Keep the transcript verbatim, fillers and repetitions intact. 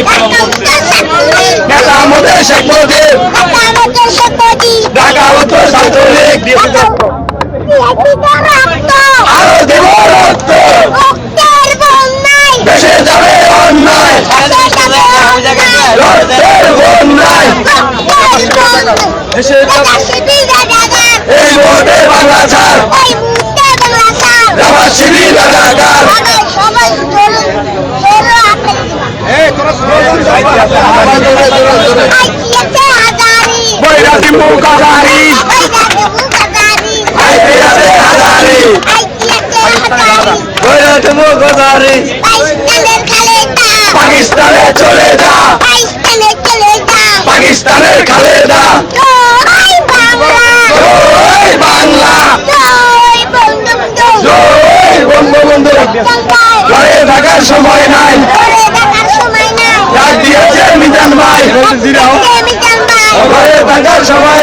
নেতা আমাদের শেখ মুজিব, ঢাকা উত্তর ছাত্রলীগ, আরো দেব রক্ত, দেশে যাবে অন্যায়, রক্তের বন্যায়, এই মুহূর্তে বাংলা ছাড়, জামাত শিবির রাজাকার, বৈরাগী মুখাধারী, আইপিএসে হাজারি, বৈরাগী মুখাধারী, পাকিস্তানে চলে যা, পাকিস্তানের খালেদা, জয় বাংলা, জয় বঙ্গবন্ধু, ঘরে থাকার সময় নাই, ডাক দিয়েছে মিজান ভাই, ঘরে থাকার সময়